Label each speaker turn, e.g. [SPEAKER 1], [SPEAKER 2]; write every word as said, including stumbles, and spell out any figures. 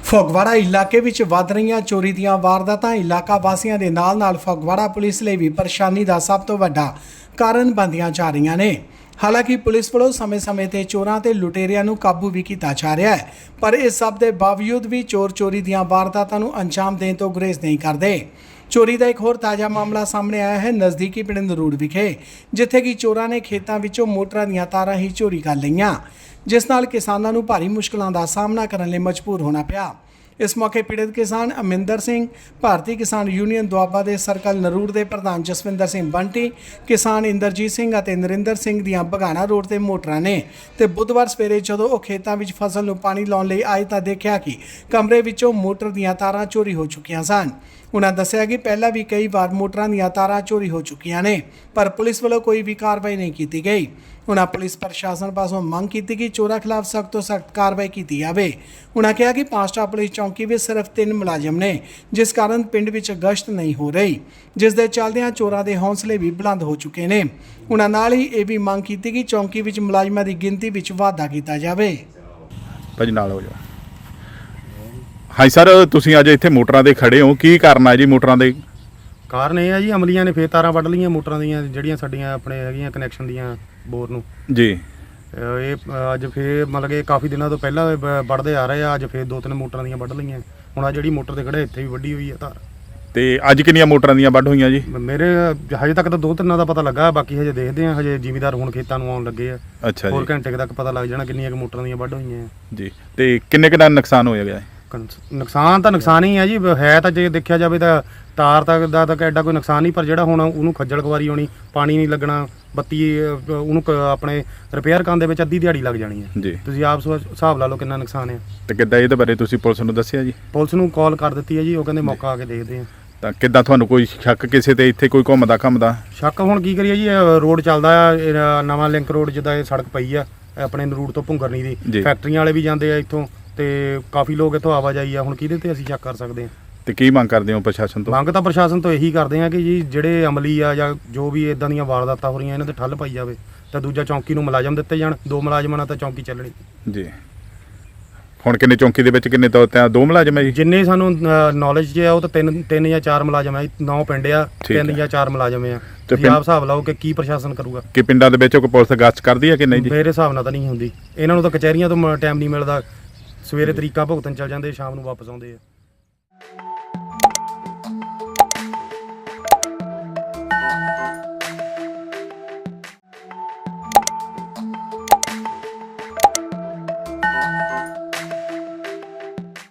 [SPEAKER 1] ਫਗਵਾੜਾ ਇਲਾਕੇ ਵਿੱਚ ਵੱਧ ਰਹੀਆਂ ਚੋਰੀ ਦੀਆਂ ਵਾਰਦਾਤਾਂ ਇਲਾਕਾ ਵਾਸੀਆਂ ਦੇ ਨਾਲ-ਨਾਲ ਫਗਵਾੜਾ ਪੁਲਿਸ ਲਈ ਵੀ ਪਰੇਸ਼ਾਨੀ ਦਾ ਸਭ ਤੋਂ ਵੱਡਾ ਕਾਰਨ ਬਣਦੀਆਂ ਜਾ ਰਹੀਆਂ ਨੇ। ਹਾਲਾਂਕਿ ਪੁਲਿਸ ਵੱਲੋਂ ਸਮੇਂ-ਸਮੇਂ ਤੇ ਚੋਰਾਂ ਤੇ ਲੁਟੇਰਿਆਂ ਨੂੰ ਕਾਬੂ ਵੀ ਕੀਤਾ ਜਾ ਰਿਹਾ ਹੈ, ਪਰ ਇਸ ਸਭ ਦੇ ਬਾਵਜੂਦ ਵੀ ਚੋਰ ਚੋਰੀ ਦੀਆਂ ਵਾਰਦਾਤਾਂ ਨੂੰ ਅੰਜਾਮ ਦੇਣ ਤੋਂ ਗੁਰੇਜ਼ ਨਹੀਂ ਕਰਦੇ। ਚੋਰੀ ਦਾ ਇੱਕ ਹੋਰ ਤਾਜ਼ਾ ਮਾਮਲਾ ਸਾਹਮਣੇ ਆਇਆ ਹੈ ਨਜ਼ਦੀਕੀ ਪਿੰਡ ਨਰੂੜ ਵਿਖੇ, ਜਿੱਥੇ ਕਿ ਚੋਰਾਂ ਨੇ ਖੇਤਾਂ ਵਿੱਚੋਂ ਮੋਟਰਾਂ ਦੀਆਂ ਤਾਰਾਂ ਹੀ ਚੋਰੀ ਕਰ ਲਈਆਂ, ਜਿਸ ਨਾਲ ਕਿਸਾਨਾਂ ਨੂੰ ਭਾਰੀ ਮੁਸ਼ਕਲਾਂ ਦਾ ਸਾਹਮਣਾ ਕਰਨ ਲਈ ਮਜਬੂਰ ਹੋਣਾ ਪਿਆ। इस मौके पीड़ित किसान अमिंदर सिंह, भारतीय किसान यूनियन दुआबा के सर्कल नरूड़ के प्रधान जसविंदर सिंह बंटी, किसान इंदरजीत सिंह और नरिंदर सिंह दियां बघाना रोड से मोटरां ने ते बुधवार सवेरे जदों वो खेतों में फसल नूं पानी लाउण लई आए तां देखिया कि कमरे विचों मोटर दियां तारां चोरी हो चुकियां सन। उन्होंने दस्सिया कि पहला भी कई बार मोटरां दियां तारां चोरी हो चुकियां ने, पर पुलिस वालों कोई भी कार्रवाई नहीं की गई। उन्होंने पुलिस प्रशासन पासों मंग की कि चोरों खिलाफ सख्त तो सख्त कार्रवाई की जाए। उन्होंने कहा कि पांचटा पुलिस चौकी में सिर्फ तीन मुलाजम ने, जिस कारण पिंड विच गश्त नहीं हो रही, जिस दे चलदियां चोरों के हौसले भी बुलंद हो चुके हैं। उन्होंने नाल ही यह भी मंग की कि चौकी विच मुलाजमां की गिनती विच वाधा किया जाए।
[SPEAKER 2] भाजी नाल हो जाओ। हाँ सर, तुसीं अज इत्थे मोटरां दे खड़े हो, की कारण है जी मोटरां दे?
[SPEAKER 3] ਕਾਰਨ ਇਹ ਹੈ ਜੀ ਅਮਲੀਆਂ ਨੇ ਫੇਰ ਤਾਰਾਂ ਵੱਢ ਲਈਆਂ ਮੋਟਰਾਂ ਦੀਆਂ, ਜਿਹੜੀਆਂ ਸਾਡੀਆਂ ਆਪਣੇ ਹੈਗੀਆਂ ਕਨੈਕਸ਼ਨ ਦੀਆਂ ਬੋਰ ਨੂੰ
[SPEAKER 2] ਜੀ।
[SPEAKER 3] ਇਹ ਅੱਜ ਫੇਰ ਮਤਲਬ ਕਿ ਕਾਫੀ ਦਿਨਾਂ ਤੋਂ ਪਹਿਲਾਂ ਵੱਢਦੇ ਆ ਰਹੇ ਆ, ਅੱਜ ਫੇਰ ਦੋ ਤਿੰਨ ਮੋਟਰਾਂ ਦੀਆਂ ਵੱਢ ਲਈਆਂ। ਹੁਣ ਆ ਜਿਹੜੀ ਮੋਟਰ ਤੇ ਖੜੇ ਇੱਥੇ ਵੀ ਵੱਢੀ ਹੋਈ ਆ ਤਾਰ।
[SPEAKER 2] ਤੇ ਅੱਜ ਕਿੰਨੀਆਂ ਮੋਟਰਾਂ ਦੀਆਂ ਵੱਢ ਹੋਈਆਂ ਜੀ?
[SPEAKER 3] ਮੇਰੇ ਹਜੇ ਤੱਕ ਤਾਂ ਦੋ ਤਿੰਨਾਂ ਦਾ ਪਤਾ ਲੱਗਾ, ਬਾਕੀ ਹਜੇ ਦੇਖਦੇ ਆ। ਹਜੇ ਜ਼ਿਮੀਦਾਰ ਹੁਣ ਖੇਤਾਂ ਨੂੰ ਆਉਣ ਲੱਗੇ ਆ।
[SPEAKER 2] ਅੱਛਾ ਜੀ।
[SPEAKER 3] ਹੋਰ ਘੰਟੇ ਤੱਕ ਪਤਾ ਲੱਗ ਜਾਣਾ ਕਿੰਨੀਆਂ ਕੁ ਮੋਟਰਾਂ ਦੀਆਂ ਵੱਢ ਹੋਈਆਂ
[SPEAKER 2] ਜੀ। ਤੇ ਕਿੰਨੇ ਕਿੰਨਾ ਨੁਕਸਾਨ ਹੋਇਆ ਗਿਆ?
[SPEAKER 3] ਨੁਕਸਾਨ ਤਾਂ ਨੁਕਸਾਨ ਹੀ ਹੈ ਜੀ, ਹੈ ਤਾਂ ਜੇ ਦੇਖਿਆ ਜਾਵੇ ਤਾਂ ਤਾਰ ਤੱਕ ਦਾ ਤਾਂ ਐਡਾ ਕੋਈ ਨੁਕਸਾਨ ਨਹੀਂ, ਪਰ ਜਿਹੜਾ ਹੁਣ ਉਹਨੂੰ ਖੱਜਲ ਖਵਾਰੀ ਹੋਣੀ, ਪਾਣੀ ਨਹੀਂ ਲੱਗਣਾ, ਬੱਤੀ ਉਹਨੂੰ ਆਪਣੇ ਰਿਪੇਅਰ ਕਰਨ ਦੇ ਵਿੱਚ ਅੱਧੀ ਦਿਹਾੜੀ ਲੱਗ ਜਾਣੀ ਹੈ
[SPEAKER 2] ਜੀ।
[SPEAKER 3] ਤੁਸੀਂ ਆਪ ਹਿਸਾਬ ਲਾ ਲਓ ਕਿੰਨਾ ਨੁਕਸਾਨ ਹੈ।
[SPEAKER 2] ਤੇ ਕਿੱਦਾਂ ਇਹਦੇ ਬਾਰੇ ਤੁਸੀਂ ਪੁਲਿਸ ਨੂੰ ਦੱਸਿਆ ਜੀ?
[SPEAKER 3] ਪੁਲਿਸ ਨੂੰ ਕਾਲ ਕਰ ਦਿੱਤੀ ਹੈ ਜੀ, ਉਹ ਕਹਿੰਦੇ ਮੌਕਾ ਆ ਕੇ ਦੇਖਦੇ ਆ।
[SPEAKER 2] ਤਾਂ ਕਿੱਦਾਂ ਤੁਹਾਨੂੰ ਕੋਈ ਸ਼ੱਕ ਕਿਸੇ ਤੇ ਇੱਥੇ ਕੋਈ ਘੁੰਮਦਾ ਘੁੰਮਦਾ?
[SPEAKER 3] ਸ਼ੱਕ ਹੁਣ ਕੀ ਕਰੀਏ ਜੀ, ਰੋਡ ਚੱਲਦਾ ਆ ਨਵਾਂ ਲਿੰਕ ਰੋਡ, ਜਿੱਦਾਂ ਇਹ ਸੜਕ ਪਈ ਆ ਆਪਣੇ ਨਰੂੜ ਤੋਂ ਭੁੰਗਰਨੀ ਦੀ, ਫੈਕਟਰੀਆਂ ਵਾਲੇ ਵੀ ਜਾਂਦੇ ਆ ਇੱਥੋਂ, ਤੇ ਕਾਫੀ ਲੋਕ ਇੱਥੋਂ ਆਵਾਜਾਈ ਆ। ਹੁਣ ਕਿਹਦੇ ਤੇ ਅਸੀਂ ਸ਼ੱਕ ਕਰ ਸਕਦੇ ਹਾਂ?
[SPEAKER 2] ਤੇ ਕੀ ਮੰਗ ਕਰਦੇ ਹੋ ਪ੍ਰਸ਼ਾਸਨ ਤੋਂ?
[SPEAKER 3] ਮੰਗ ਤਾਂ ਪ੍ਰਸ਼ਾਸਨ ਤੋਂ ਇਹੀ ਕਰਦੇ ਆ ਕਿ ਜੀ ਜਿਹੜੇ ਅਮਲੀ ਆ ਜਾਂ ਜੋ ਵੀ ਇਦਾਂ ਦੀਆਂ ਵਾਰਦਾਤਾਂ ਹੋ ਰਹੀਆਂ ਇਹਨਾਂ ਤੇ ਠੱਲ ਪਾਈ ਜਾਵੇ, ਤਾਂ ਦੂਜਾ ਚੌਂਕੀ ਨੂੰ ਮੁਲਾਜ਼ਮ ਦਿੱਤੇ ਜਾਣ। ਦੋ ਮੁਲਾਜ਼ਮਾਂ ਨਾਲ ਤਾਂ ਚੌਂਕੀ ਚੱਲਣੀ
[SPEAKER 2] ਜੀ। ਹੁਣ ਕਿੰਨੇ ਚੌਂਕੀ ਦੇ ਵਿੱਚ ਕਿੰਨੇ ਤਾਂ ਦੋ ਮੁਲਾਜ਼ਮ ਹੈ ਜੀ?
[SPEAKER 3] ਜਿੰਨੇ ਸਾਨੂੰ ਨੌਲੇਜ 'ਚ ਆ ਉਹ ਤਾਂ ਤਿੰਨ ਤਿੰਨ ਜਾਂ ਚਾਰ ਮੁਲਾਜ਼ਮ ਆ। ਨੌ ਪਿੰਡ ਆ, ਤਿੰਨ ਜਾਂ ਚਾਰ ਮੁਲਾਜ਼ਮ ਆ। ਤੁਸੀਂ ਆਪ ਹਿਸਾਬ ਲਾਓ ਕਿ ਕੀ ਪ੍ਰਸ਼ਾਸਨ ਕਰੂਗਾ। ਕਿ
[SPEAKER 2] ਪਿੰਡਾਂ ਦੇ ਵਿੱਚ ਕੋਈ ਪੁਲਿਸ ਗਸ਼ਤ ਕਰਦੀ ਹੈ ਕਿ ਨਹੀਂ ਜੀ?
[SPEAKER 3] ਮੇਰੇ ਹਿਸਾਬ ਨਾਲ ਤਾਂ ਨਹੀਂ ਹੁੰਦੀ। ਇਹਨਾਂ ਨੂੰ ਤਾਂ ਕਚਹਿਰੀਆਂ ਤੋਂ ਟਾਈਮ ਨਹੀਂ ਮਿਲਦਾ, ਸਵੇਰੇ ਤਰੀਕਾ ਭੁਗਤਣ ਚੱਲ ਜਾਂਦੇ, ਸ਼ਾਮ ਨੂੰ ਵਾਪਸ ਆਉਂਦੇ ਆ।